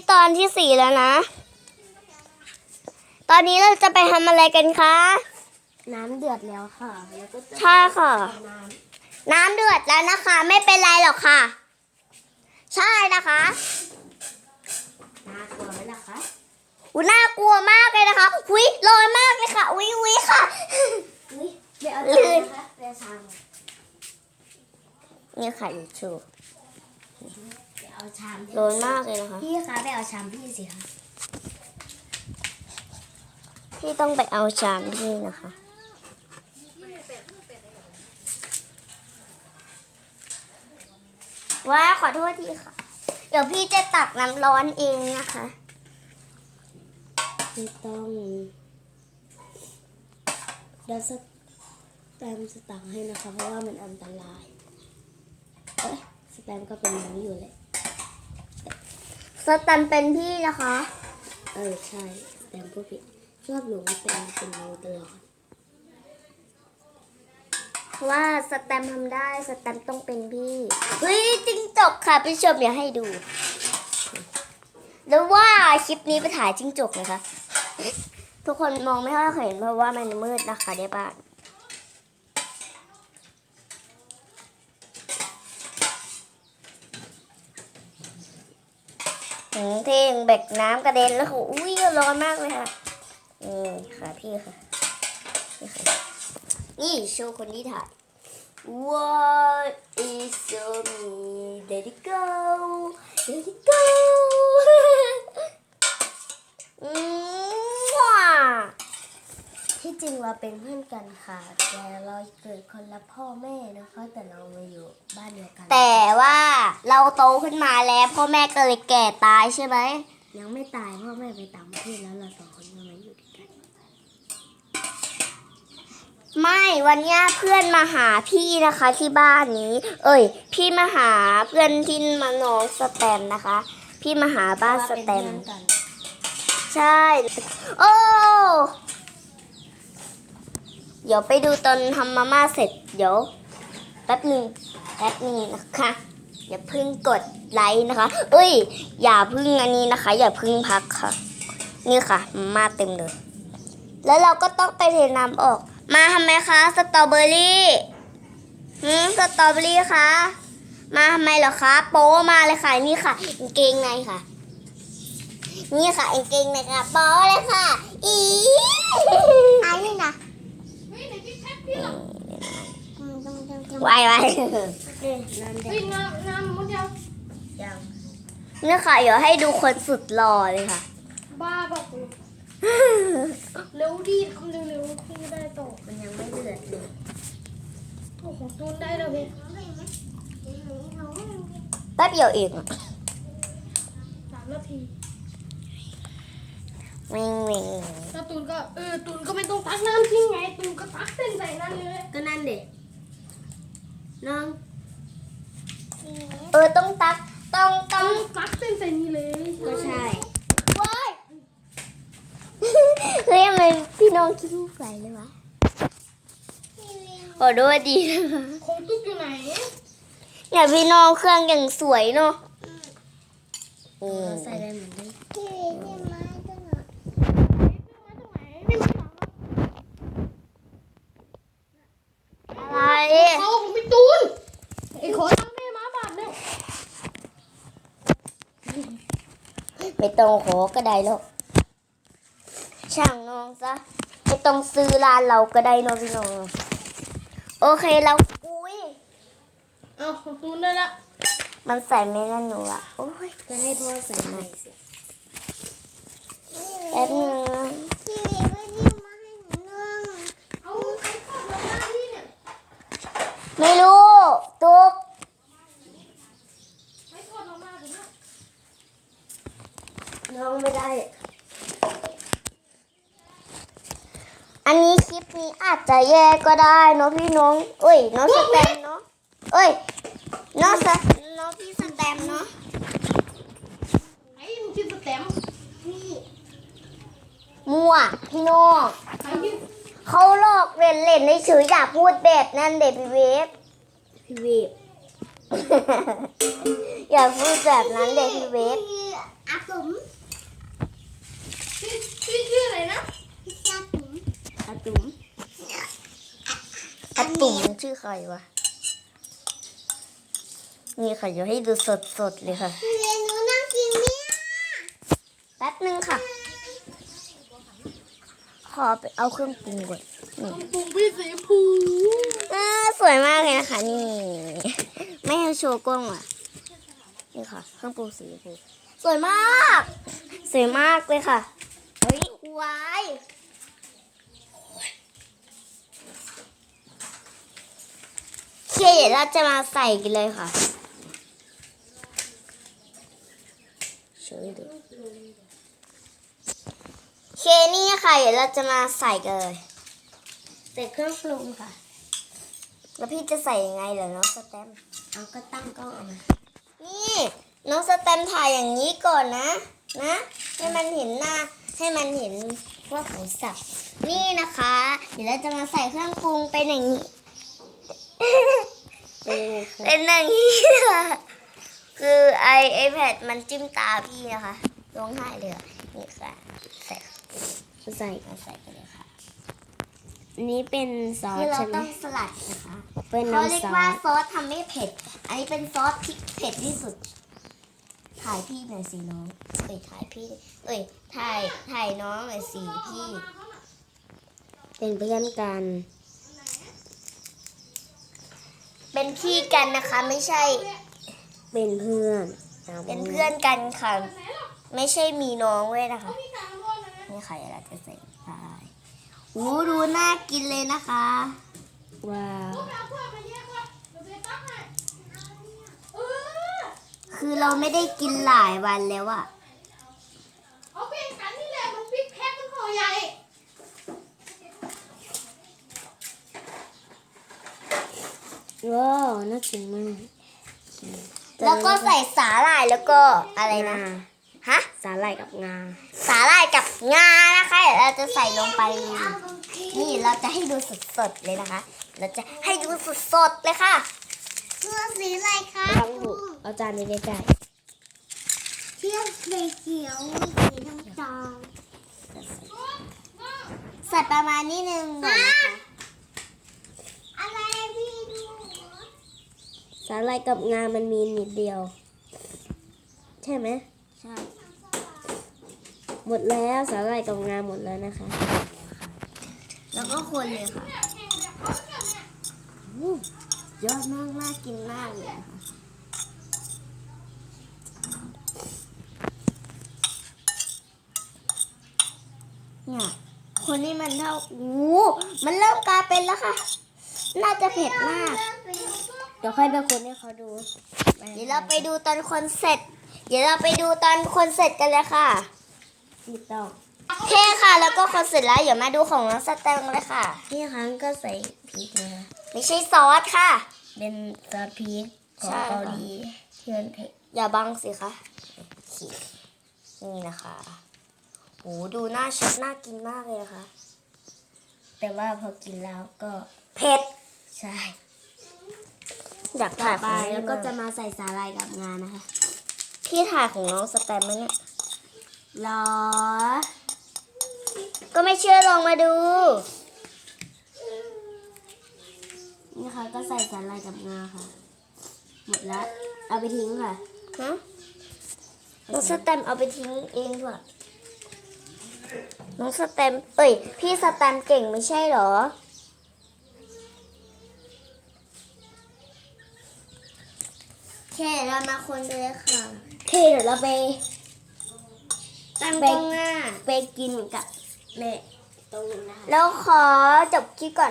ตอนที่ 4แล้วนะตอนนี้เราจะไปทำอะไรกันคะน้ำเดือดแล้วค่ะแล้วก็จะใช่ค่ะน้น้ำเดือดแล้วนะคะไม่เป็นไรหรอกค่ะใช่นะคะำน่ากลัวไหมล่ะคะน่ากลัวมากเลยนะคะอุ้ยร้อนมากเลยค่ะอุ้ยค่ะอุ้ยเดี๋ยวเอาลื่ชามนนะคะเดี๋ยวชามนี่ค่ะยูทูบเดี๋ยวเอาชามร้อนมากเลยนะคะพี่คะไปเอาชามพี่สิคะพี่ต้องไปเอาชามพี่นะคะว่าขอโทษทีค่ะ เดี๋ยวพี่จะตักน้ำร้อนเองนะคะไม่ต้องเดี๋ยวแตมสตังให้นะคะเพราะว่ามันอันตรายเอ้ยสแตมก็เป็นน้องอยู่เลยสแตันเป็นพี่นะคะใช่สแตมพูดผิดชอบหลงเป็นน้องตลอดเพราะว่าสแตมป์ทำได้สแตมป์ต้องเป็นพี่เฮ้ยจิ้งจกค่ะพี่ชมอย่าให้ดูแล้วว่าคลิปนี้ไปถ่ายจิ้งจกนะคะ ทุกคนมองไม่ค่อยเห็นเพราะว่ามันมืดนะคะเดี๋ยวบ้านเท่งแบกน้ำกระเด็นแล้วค่ะอุ้ยร้อนมากเลยค่ะนี่ค่ะพี่ค่ะนี่ค่ะนี่โชว์คนที่ถ่าย What is so me? Let it go, let it go. ว้าที่จริงเราเป็นเพื่อนกันค่ะแต่เราเกิดคนละพ่อแม่นะคะแต่เรามาอยู่บ้านเดียวกันแต่ว่าเราโตขึ้นมาแล้วพ่อแม่ก็เลยแก่ตายใช่ไหมยังไม่ตายพ่อแม่ไปต่างประเทศแล้วเราสองคนก็มาอยู่ด้วยกันไม่วันเนี้ยเพื่อนมาหาพี่นะคะที่บ้านนี้ พี่มาหาเพื่อนที่มาน้องสแตมนะคะ พี่มาหาบ้านสแตมเพราะว่าเป็นเพื่อนกันใช่ โอ้ เดี๋ยวไปดูตอนทำมาม่าเสร็จ เดี๋ยวแป๊บหนึ่งนะคะอย่าเพิ่งกดไลค์นะคะ อย่าเพิ่งอันนี้นะคะ อย่าเพิ่งพักค่ะ นี่ค่ะมาม่าเต็มเลย แล้วเราก็ต้องไปเทน้ำออก มาทำไมคะสตรอเบอรี่สตรอเบอรี่คะมาทำไมเหรอคะโป๊มาเลยค่ะนี่ค่ะกางเกงในค่ะ นี่ค่ะกางเกงในค่ะโป๊เลยค่ะอันนี้นะวายน้ำเด็กน้ำมดเดียวยังนี่ค่ะเดี๋ยวให้ดูคนสุดหล่อเลยค่ะบ้าบอกกูเร็วดีทำเร็วๆพี่ได้โตมันยังไม่เดือดเลยโอ้โหตูนได้แล้วพี่แป๊บเดียวเอง 3 นาทีวิ่งแล้วตูนก็ตูนก็ไม่ต้องตักน้ำทิ้งไงตูนก็ตักเส้นใส่นั่นเลยก็นั่นเด็กน้องต้องตักต้องตักเส้นใส่นี่เลยก็ใช่ว้ายเฮ้ยทำไมพี่น้องคิดลูกไหลเลยวะขอโทษดีนะคะของตุ๊กอยู่ไหนอย่าพี่น้องเครื่องอย่างสวยเนาะเราใส่ได้เหมือนกันอะไรเขาของพี่ตูนไอ้ขอตังค์แม่มาบาทเนี่ยไม่ต้องขอก็ได้หรอกช่างน้องซะไม่ต้องซื้อร้านเราก็ได้เนาะพี่น้องโอเคเราอุ้ยเอาของตูนได้ละมันใส่ไม่นั่นหนูอะโอ้ยก็ให้พ่อใส่ใหม่สิแป๊บนึงนะเอาไอ้ข้าวมาหน้าที่เนี่ยไม่รู้ตุ๊กไอ้ข้าวมาม่าผมเนี่ยน้องไม่ได้อันนี้คลิปนี้อาจจะแย่ก็ได้เนาะพี่น้องน้องสแตมเนาะน้องพี่สแตมเนาะไอ้มึงกินสแตมป์มั่วพี่น้องไอ้กินเขาหลอกเล่นในเฉยอย่าพูดแบบนั้นเด็พี่เวฟพี่เวฟอย่าพูดแบบนั้นเด็พี่เวฟอาผมปุ่มมันชื่อใครวะนี่ค่ะเดี๋ยวให้ดูสดๆเลยค่ะเรียนหนูนั่งกินเนี่ยแป๊บนึงค่ะ ขอไปเอาเครื่องปรุงก่อนนี่ปุ่มพี่สีผูสวยมากเลยนะคะ นี่ ไม่ให้โชว์กล้องอ่ะ นี่ค่ะ เครื่องปรุงสีชมพูสวยมาก สวยมากเลยค่ะเฮ้ยวายโอเคเดี๋ยวเราจะมาใส่กันเลยค่ะเชิญดูโอเคนี่ค่ะเดี๋ยวเราจะมาใส่กันเลยใส่เครื่องปรุงค่ะ แล้วพี่จะใส่ยังไงเหรอน้องสแตมป์เอาก็ตั้งกล้องเอามานี่น้องสแตมป์ถ่ายอย่างนี้ก่อนนะ ให้มันเห็นหน้า ให้มันเห็นว่าของสับนี่นะคะ เดี๋ยวเราจะมาใส่เครื่องปรุงเป็นอย่างนี้ เป็นอย่างนี้ค่ะคือiPad มันจิ้มตาพี่นะคะร้องไห้เลยอะนี่ค่ะ ใส่ใส่มาใส่กันเลยค่ะอันนี้เป็นซอสคือเราใช่ไหมต้องสลัดนะคะเป็นเขาเรียน้ำซอกว่าสซอสทำไม่เผ็ด อันนี้เป็นซอสที่เผ็ดที่สุด ถ่ายพี่หน่อยสิน้อง ถ่ายพี่ ถ่ายน้องหน่อยสิพี่เป็นเพื่อนกันเป็นพี่กันนะคะ ไม่ใช่เป็นเพื่อนเป็นเพื่อนกันค่ะ ไม่ใช่มีน้องเว้ยนะคะ นี่ค่ะเดี๋ยวเราจะใส่ไปโอ้ดูน่ากินเลยนะคะว้าวคือเราไม่ได้กินหลายวันแล้วอะเอาเป็นกันนี่แหละมันปิ๊กแพ็คมันห่อใหญ่ว้าวน่ากินมากแล้วก็ใส่สาหร่ายแล้วก็อะไรนะงาฮะสาหร่ายกับงาสาหร่ายกับงานะคะเดี๋ยวเราจะใส่ลงไป นี่เราจะให้ดูสดๆเลยนะคะ เราจะให้ดูสดๆเลยค่ะเสื้อสีอะไรคะทำถูกเอาจานนี้ใกล้เสื้อสีเขียวสีน้ำตาลใส่ประมาณนี้นึงก่อนนะคะอะไรพี่ดูๆสาหร่ายกับงามันมีนิดเดียว ใช่ไหมใช่หมดแล้วสาหร่ายกับงาหมดแล้วนะคะแล้วก็คนเลยค่ะยอดมากน่ากินมากเลยอะค่ะเนี่ยคนนี้มันเท่ามันเริ่มกลายเป็นแล้วค่ะ น่าจะเผ็ดมากเดี๋ยวค่อยไปคนให้เขาดูเดี๋ยวเราไปดูตอนคนเสร็จ เดี๋ยวเราไปดูตอนคนเสร็จกันเลยค่ะติดต่อโอเคค่ะ แล้วก็คนเสร็จแล้วเดี๋ยวมาดูของน้องสแตมป์เลยค่ะที่ครั้งก็ใส่พริกนะคะไม่ใช่ซอสค่ะเป็นซอสพริกของใช่เกาหลีที่มันเผ็ดอย่าบังสิคะนี่นะคะโหดูหน้าชัดน่ากินมากเลยนะคะแต่ว่าพอกินแล้วก็เผ็ดใช่อยากถ่ายไปของแล้วนี่ก็มากจะมาใส่สาหร่ายกับงานะคะพี่ถ่ายของน้องสแตมป์ไหมเนี่ยรอก็ไม่เชื่อลองมาดูนี่ค่ะก็ใส่สาหร่ายกับงาค่ะ หมดแล้ว เอาไปทิ้งค่ะฮะน้องสแตมป์เอาไปทิ้งเองเถอะน้องสแตมป์พี่สแตมป์เก่งไม่ใช่เหรอ โอเคเรามาคนกันเลยค่ะโอเคเดี๋ยวเราไปตั้งกล้องหน้าไปกินกับแม่ตรงนี้นะคะแล้วขอจบคลิปก่อน